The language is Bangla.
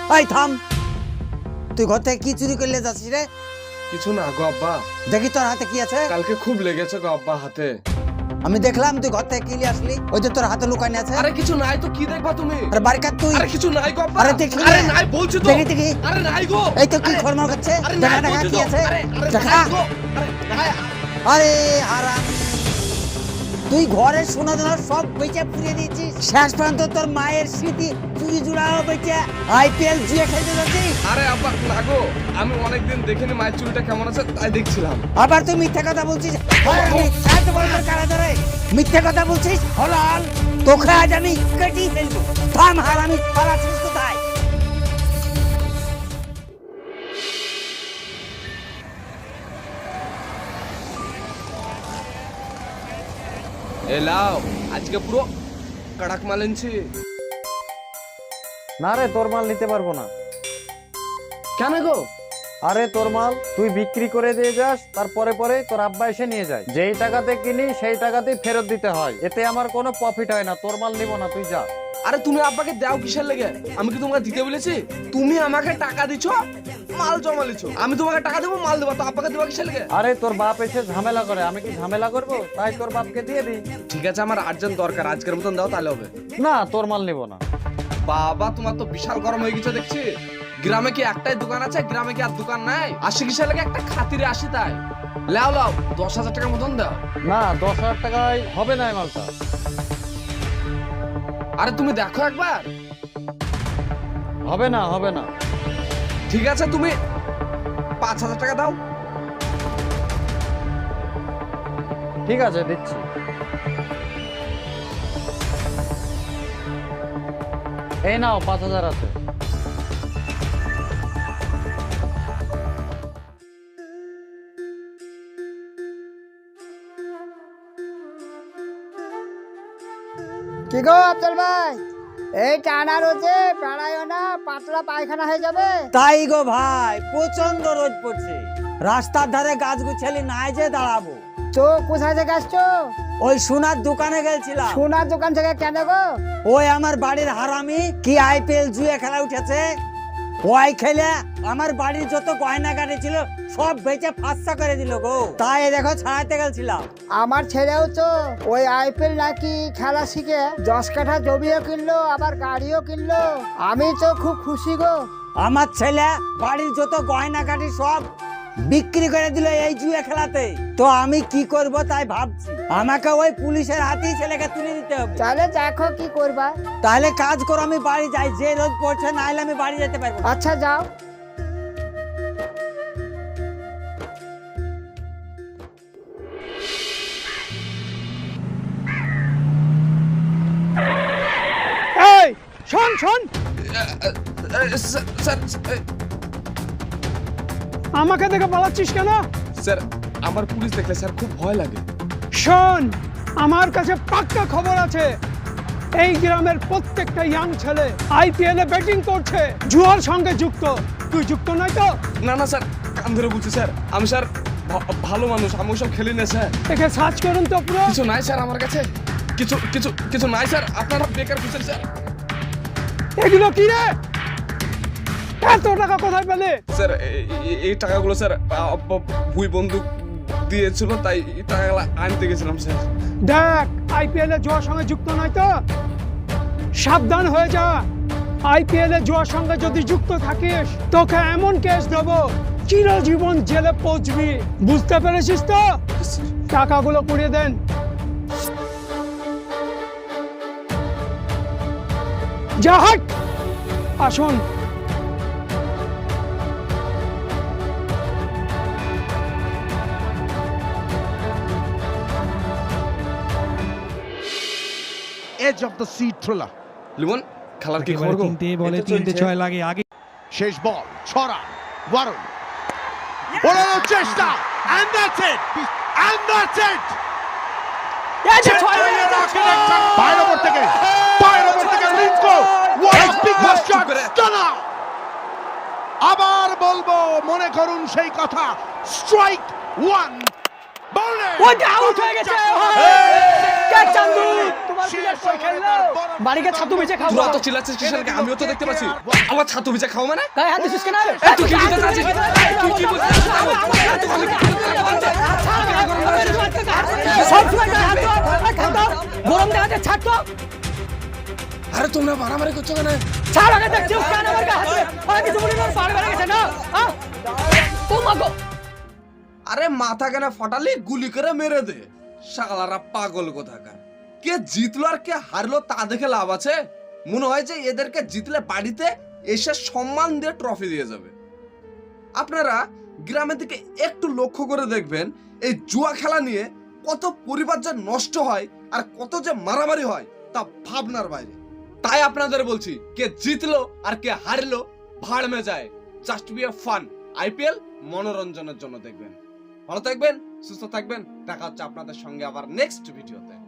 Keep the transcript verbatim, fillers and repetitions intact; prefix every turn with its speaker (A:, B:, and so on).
A: এই থাম, তুই ঘর থেকে কি চুরি করলে যাচ্ছিস রে?
B: কিছু না গো আব্বা।
A: দেখি তোর হাতে কি আছে।
B: কালকে খুব লেগেছে গো আব্বা হাতে।
A: আমি দেখলাম তুই ঘর থেকে কি নিয়ে আসলি, ওই যে তোর হাতে লুকানো আছে।
B: আরে কিছু নাই তো কি দেখবা তুমি?
A: আরে বাড়ি কাট তুই।
B: আরে কিছু নাই গো আব্বা।
A: আরে দেখি
B: আরে নাই বলছি তো।
A: দেখি দেখি।
B: আরে নাই গো।
A: এই তো কি খরমল করছে, দেখা দেখা কি আছে দেখা। আরে হারাম, তুই ঘরের সোনা দানা সব বেচে পুড়িয়ে দিয়েছিস, শেষ পর্যন্ত তোর মায়ের স্মৃতি চুরি জুড়াও বেচে আইপিএল জুয়ে খেলতে যাচ্ছিস।
B: আরে আব্বা না গো, আমি অনেকদিন দেখিনি মায়ের চুলটা কেমন আছে তাই দেখছিলাম।
A: আবার তুই মিথ্যা কথা বলছিস। এত বড় তোর কারা ধরে মিথ্যা কথা বলছিস। হলাল তোকে আজ আমি কেটে ফেলবো। থাম হারামি, পালাচ্ছিস কোথায়?
B: এ লাও, আজকে পুরো কড়াক মাল এনেছি।
C: না রে, তোর মাল নিতে পারবো না।
B: কেন গো?
C: আরে তোর মাল তুই বিক্রি করে দিয়ে যাস, তারপরে পরে তোর আব্বা এসে নিয়ে যায়। যেই টাকাতে কিনি সেই টাকাতেই ফেরত দিতে হয়, এতে আমার কোনো প্রফিট হয় না। তোর মাল নিব না, তুই যা।
B: আরে তুমি আব্বাকে দাও কিসের লেগে? আমি কি তোমাকে দিতে বলেছি? তুমি আমাকে টাকা দিছো, মাল জমা লিছো। আমি তোমাকে টাকা দেবো, মাল দেবো, তো আব্বাকে দেবো কিসের লেগে?
C: আরে তোর বাপ এসে ঝামেলা করে, আমি কি ঝামেলা করব? তাই তোর বাপকে দিয়ে দিই।
B: ঠিক আছে, আমার আর্জেন্ট দরকার, আজকের মতন দাও তাহলে হবে।
C: না, তোর মাল নিব না।
B: বাবা তোমার তো বিশাল গরম হয়ে গেছে দেখছি। গ্রামে কি একটাই দোকান আছে? গ্রামে কি আর দোকান নাই? আসি কিসের লেগে? একটা খাতিরে আসি তাই। লাও লাও, দশ হাজার টাকার মতন দাও।
C: না, দশ হাজার টাকায় হবে না এই মালটা।
B: আরে তুমি দেখো একবার।
C: হবে না, হবে না।
B: ঠিক আছে, তুমি পাঁচ হাজার টাকা দাও।
C: ঠিক আছে, দিচ্ছি। এই নাও, পাঁচ হাজার আছে।
D: কি গো আফজল ভাই, এই টানা রোদে বেড়াইও না, পাতলা পায়খানা হয়ে যাবে।
A: তাই গো ভাই, প্রচন্ড রোদ পড়ছে, রাস্তার ধারে গাছ গুছালি নাই যে দাঁড়াবো।
D: তো কোথায় থেকে আসছো?
A: ওই সোনার দোকানে গেছিলাম।
D: সোনার দোকান থেকে কেন গো?
A: ওই আমার বাড়ির হারামি কি আইপিএল জুয়ে খেলা উঠেছে, ওই খেলে আমার বাড়ির যত গয়না গাড়ি ছিল সব বেচে ফাঁসা করে দিল গো। তাই দেখো ছাড়াতে গেছিলাম।
D: আমার ছেলেও তো ওই আইপিএল নাকি খেলা শিখে দশ কাঠা জমিও কিনলো, আবার গাড়িও কিনলো। আমি তো খুব খুশি গো।
A: আমার ছেলে বাড়ির যত গয়না কাটি সব বিক্রি করে দিল এই জুয়ে খেলাতে। তো আমি কি করব তাই ভাবছি, আমাকে ওই পুলিশের হাতেই ছেলেকে তুলে দিতে হবে।
D: তাহলে দেখো কি করবা।
A: তাহলে কাজ করো, আমি বাড়ি যাই, যে রোদ পড়ছে, নাহলে আমি বাড়ি যেতে পারবো না।
D: আচ্ছা যাও।
E: এই শোন শোন,
B: স্যার
E: আমাকে দেখে পালাচ্ছিস কেন?
B: স্যার আমার পুলিশ দেখলে স্যার খুব ভয় লাগে।
E: শোন, আমার কাছে পাক্কা খবর আছে, এই গ্রামের প্রত্যেকটা ইয়াং ছেলে আইপিএল এ ব্যাটিং করছে, জুয়ার সঙ্গে যুক্ত। তুই যুক্ত নয় তো?
B: না না স্যার, কান ধরে বলছি স্যার, আমি স্যার ভা- ভালো মানুষ, আমি ওসব খেলি না স্যার।
E: একে সার্চ করুন তো পুরো।
B: কিছু নাই স্যার আমার কাছে, কিছু কিছু কিছু নাই স্যার, আপনারা বেকার খুঁজছেন স্যার।
E: এগুলো কি রে? এত টাকা কোথায় পেলে?
B: স্যার এই- এই- এই টাকাগুলো স্যার আব্বা ভুই বন্দুক দিয়েছিল, তাই এই টাকাগুলো আনতে গেছিলাম স্যার।
E: দেখ, আইপিএল এ জুয়ার সঙ্গে যুক্ত নয় তো? সাবধান হয়ে যা। আইপিএল এ জুয়ার সঙ্গে যদি যুক্ত থাকিস, তোকে এমন কেস দেবো, চিরজীবন জেলে পৌঁছবি। বুঝতে পেরেছিস তো? টাকাগুলো পুড়িয়ে দেন। যা হাট। আসুন।
F: edge of the seat thriller.
B: Limon খেলার কি খবর গো?
G: তিনটে বলে তিনটে ছয় লাগে আগে।
F: শেষ বল ছড়া ওয়ারুন ওড়ানোর চেষ্টা and that's it and that's it পায়ের ওপর থেকে পায়ের ওপর থেকে Rinko what a big shot stunner আবার বলবো মনে করুন সেই কথা স্ট্রাইক ওয়ান বলে
E: ওটা আউট হয়ে গেছে। কে চান্দু তোমার প্লেয়ার কই খেললো? বাড়িকে ছাতু বেচে খাও।
B: তোরা তো চিল্লাচ্ছিস কিসের লেগে? আমিও তো দেখতে পাচ্ছি। আবার ছাতু ভিজে খাও মানে?
E: গায়ে হাত দিছিস কেন?
B: এই তুই কি বুঝতে চাচ্ছিস? তুই কি বুঝতে চাচ্ছিস?
E: সব সময় গায়ে হাত দাও, হাত দাও। গরম দেখাতে ছাড় তো।
B: আরে তোমরা মারামারি করছো কেন?
E: ছাড় আগে দেখছি কেন আমার গায়ে হাত দিবে। আর কিছু বলি না, পার বেড়ে গেছে না। হ্যাঁ? ও মা গো।
B: আরে মাথা কেন ফাটালি? গুলি করে মেরে দে। শালারা পাগল কোথাকার। কে জিতলো আর কে হারলো তা দেখে লাভ আছে? মনে হয় যে এদেরকে জিতলে বাড়িতে এসে সম্মান দিয়ে ট্রফি দিয়ে যাবে। আপনারা গ্রামের দিকে একটু লক্ষ্য করে দেখবেন, এই জুয়া খেলা নিয়ে কত পরিবার যে নষ্ট হয় আর কত যে মারামারি হয় তা ভাবনার বাইরে। তাই আপনাদের বলছি, কে জিতলো আর কে হারলো ভাড় মে যায়। Just be a fun. IPL মনোরঞ্জনের জন্য দেখবেন। ভালো থাকবেন, সুস্থ থাকবেন। দেখা হচ্ছে আপনাদের সঙ্গে আবার নেক্সট ভিডিওতে।